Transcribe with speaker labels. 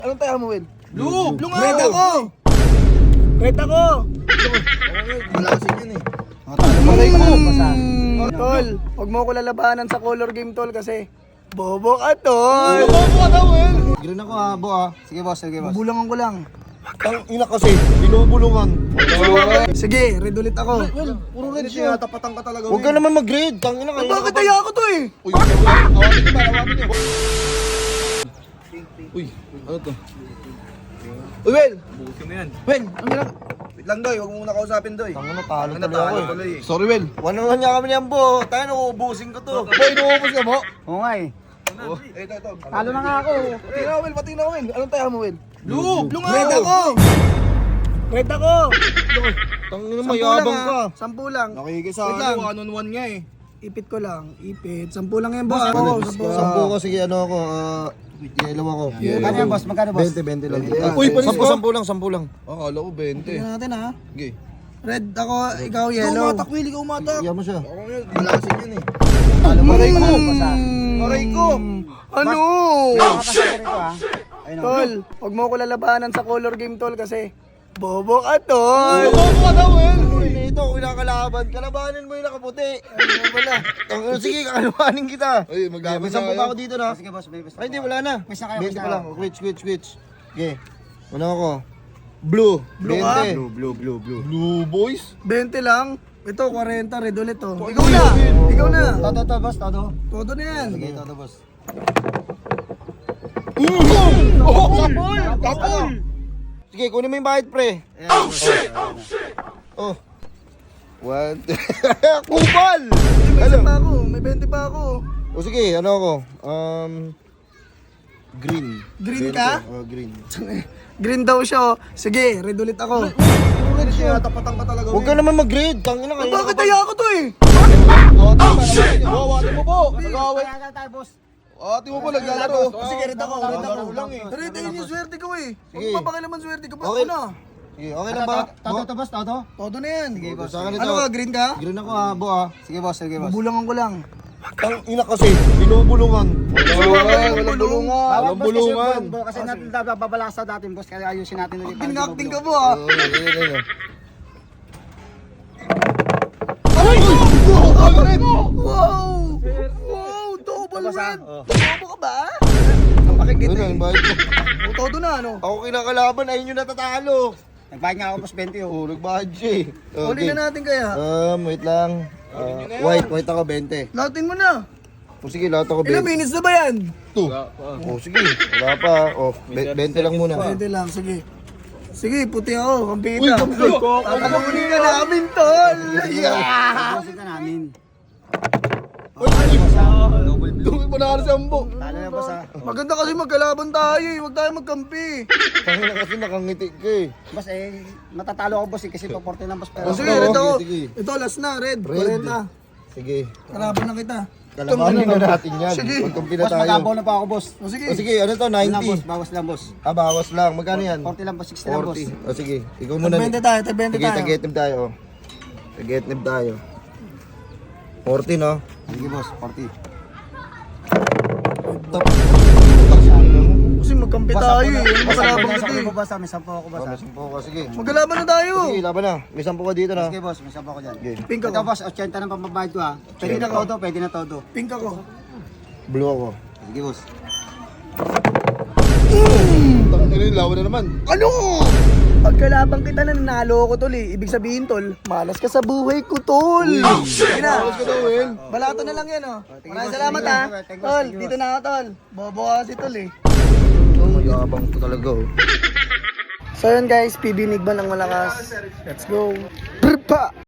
Speaker 1: Anong tayo mo, Will?
Speaker 2: Blue! Blue nga!
Speaker 1: Red ako! Red ako!
Speaker 2: Malasig yun eh.
Speaker 1: Maray ko! Tol, huwag mo ko lalabanan sa color game, tol, kasi bobo ka, tol!
Speaker 2: Bobo ka daw, Will!
Speaker 3: Green ako ha, bo ha. Sige boss, sige boss.
Speaker 1: Bubulangan ko lang.
Speaker 2: Tang ina kasi, binubulungan.
Speaker 1: Sige, red ulit ako.
Speaker 2: Will, puro red siya. Tapatan ka talaga,
Speaker 3: Huwag ka naman mag-grade. Tang ina ka.
Speaker 1: Bakit kaya ako to eh?
Speaker 2: Uy, awagin niyo ba? Awagin niyo. Uy, ano to? Uy, Will!
Speaker 4: Busin mo yan.
Speaker 1: Will, ang ginag...
Speaker 2: Wait lang, Doy. Huwag mo muna kausapin, Doy.
Speaker 3: Tang ina, talo
Speaker 2: Ang
Speaker 3: tuloy ako eh.
Speaker 2: tuloy eh.
Speaker 1: Sorry, Will.
Speaker 3: Wala nga kami niyan bo. Tayo nauubusin ko to.
Speaker 2: Boy, inuubos ka mo?
Speaker 1: Oo nga eh.
Speaker 2: Ito.
Speaker 1: Talo na nga ako.
Speaker 2: Pati na, Will. Pati na, Will. Anong tayo mo, Will?
Speaker 1: Blue!
Speaker 2: Blue nga!
Speaker 1: Red ako! Red ako!
Speaker 3: Tang ina, mayabang ka.
Speaker 1: 10 lang.
Speaker 2: Nakikisa
Speaker 1: Wait lang.
Speaker 2: ako, 1-on-1 nga eh.
Speaker 1: Ipit ko lang. Ipit. 10 lang yan, boss. Oo, 10.
Speaker 3: Sampu ko, sige ano ako. Yellow ako.
Speaker 1: Magkano yan, boss? Magkano, boss?
Speaker 3: 20 lang.
Speaker 2: Uy, panis ka?
Speaker 3: Sampu lang.
Speaker 2: Akala ko 20.
Speaker 1: Tingnan natin ha.
Speaker 2: Sige.
Speaker 1: Red ako, ikaw
Speaker 2: Ikaw
Speaker 1: yellow.
Speaker 2: umatak, Will. Ikaw umatak.
Speaker 3: Iyan mo siya.
Speaker 2: Ako yun. Malasig yun eh.
Speaker 1: Maray ko!
Speaker 2: Aray ko!
Speaker 1: Ano?
Speaker 3: Ayun ako.
Speaker 1: Tol, huwag mo ko lalabanan sa color game, tol, kasi bobo ka, tol.
Speaker 2: Bobo ka daw, Will.
Speaker 3: Ito, kinakalaban. Kalabanin mo yung nakaputi. Ano pala? Tang ina, sige, kakalabanin kita.
Speaker 2: Ay, maglaban
Speaker 3: May
Speaker 2: na
Speaker 3: sampu
Speaker 2: kayo.
Speaker 3: pa ako dito na.
Speaker 1: Sige, boss, may basta.
Speaker 3: Ay, hindi, wala na.
Speaker 1: Basta kayo,
Speaker 3: 20
Speaker 1: basta
Speaker 3: pa lang.
Speaker 1: kayo.
Speaker 3: Switch. Okay. Ano ako? Blue.
Speaker 1: Blue ka?
Speaker 3: 20.
Speaker 2: Blue boys?
Speaker 1: 20 lang. Ito, 40, red ulit to. Ikaw na! Ikaw na!
Speaker 3: Todo, boss, todo.
Speaker 1: Todo na yan.
Speaker 3: Sige, todo, boss.
Speaker 2: Oh, kapul! Kapul!
Speaker 3: Sige, kunin mo yung bahid, pre. Oh. One, Kupal!
Speaker 1: May
Speaker 3: Ano?
Speaker 1: isa pa ako, may 20 pa ako.
Speaker 3: O sige, ano ako? Green.
Speaker 1: Green
Speaker 3: 20.
Speaker 1: ka?
Speaker 3: Oh, green.
Speaker 1: Green daw siya, oh. Sige, red ulit ako.
Speaker 2: Puro red siya. Tapatan ka talaga,
Speaker 3: Huwag ka naman mag-grade. Tangina ka.
Speaker 1: Bakit kaya ako to eh?
Speaker 2: Ate mo po! Nag-away!
Speaker 1: boss.
Speaker 2: Ate mo po naglalaro!
Speaker 1: Sige, red ako, red ako.
Speaker 2: Laro lang eh.
Speaker 1: Red, ayun yung swerte ko eh. Huwag
Speaker 3: Sige.
Speaker 1: mo papakilaman swerte ko pa
Speaker 3: Okay.
Speaker 1: ako na.
Speaker 3: Sige, okay lang ba?
Speaker 1: Todo, boss, todo? Todo na yan. Sige,
Speaker 3: boss. Sa akin ito.
Speaker 1: Ano ka, green ka?
Speaker 3: Green ako ha, bo ha. Sige, boss.
Speaker 1: Bubulangan ko lang.
Speaker 3: Tang ina kasi, binubulungan.
Speaker 2: Walang bulungan! Walang bulungan!
Speaker 5: Kasi natin babalasa natin, boss, kaya ayusin natin ulit.
Speaker 1: Pinakting ka po ah. Wow! Wow! Double red! Bobo ka ba? Ang pakikita
Speaker 3: Ano,
Speaker 1: eh.
Speaker 3: yung bahid ko.
Speaker 1: Oh, todo na ano?
Speaker 3: Ako kinakalaban, ayun yung natatalo.
Speaker 5: Nagbayad nga ako, boss, 20.
Speaker 3: Oh, nagbahid siya eh.
Speaker 1: Uli na natin kaya.
Speaker 3: Wait lang. White ako 20.
Speaker 1: Lahatin mo na.
Speaker 3: O sige, lahat ako
Speaker 1: Ilang
Speaker 3: 20.
Speaker 1: minutes na ba yan?
Speaker 3: O sige, wala pa. O, 20 lang muna.
Speaker 1: Pwede lang, sige. Sige, puti ako, kampita. Tatalunin ka namin, tol! Yeah!
Speaker 5: Ayusin ka namin.
Speaker 2: Dumi mo na sa ambo!
Speaker 5: Talo na, boss, ha.
Speaker 1: Maganda kasi magkalaban tayo eh, huwag tayo magkampi.
Speaker 3: Tangina kasi nakangiti ka eh.
Speaker 5: Boss, matatalo ako, boss, kasi to 40 lang, boss. Pero,
Speaker 1: O sige, red ako.
Speaker 3: sige.
Speaker 1: Ito, last na, red.
Speaker 3: Red.
Speaker 1: 40.
Speaker 3: Sige,
Speaker 1: Kalaban na kita.
Speaker 3: kalabanin na natin yan.
Speaker 1: Sige.
Speaker 3: Magkampi na
Speaker 5: boss,
Speaker 3: tayo.
Speaker 5: magabaw na pa ako, boss.
Speaker 1: O sige.
Speaker 3: O sige, ano to?
Speaker 5: Yun lang, boss,
Speaker 3: 90.
Speaker 5: bawas lang, boss.
Speaker 3: Ah, bawas lang. Magkano yan?
Speaker 5: 40 lang, boss, 60 lang, boss.
Speaker 3: 40. O sige, ikaw muna.
Speaker 1: Tag-20 tayo, tag-20
Speaker 3: Sige,
Speaker 1: tayo.
Speaker 3: tag-etnib tayo. Tag-etnib tayo. 40 no?
Speaker 5: Sige, boss, 40.
Speaker 1: Kasi magkampi tayo eh. Ano makalaban
Speaker 5: May
Speaker 1: kita eh.
Speaker 5: 10 ako, boss, ha. May 10 ako, boss, ha.
Speaker 3: May 10 ka, sige.
Speaker 1: Magkalaban na tayo.
Speaker 3: Sige, laban na. May 10 ka dito na.
Speaker 5: Sige, boss, may 10 ako dyan.
Speaker 3: Sige.
Speaker 1: Pink
Speaker 5: Ito,
Speaker 1: ako.
Speaker 5: boss, 80 ng pambabayad ko, ha. Pwede na todo, pwede na todo.
Speaker 1: Pink ako.
Speaker 3: Blue ako.
Speaker 5: Sige, boss.
Speaker 2: Tangina yung lawan na naman!
Speaker 1: Ano? Pagkalabang kita na nanalo ko tol eh. Ibig sabihin tol, malas ka sa buhay ko tol. Sige na.
Speaker 2: Malas ka daw, Will!
Speaker 1: Balato na lang yan oh. Maraming salamat ha. Tol, dito na ako tol. Bobo kasi tol eh.
Speaker 3: Mayabang ko talaga oh.
Speaker 1: So yun guys, PB Nigban ang malakas. Let's go. Brpa!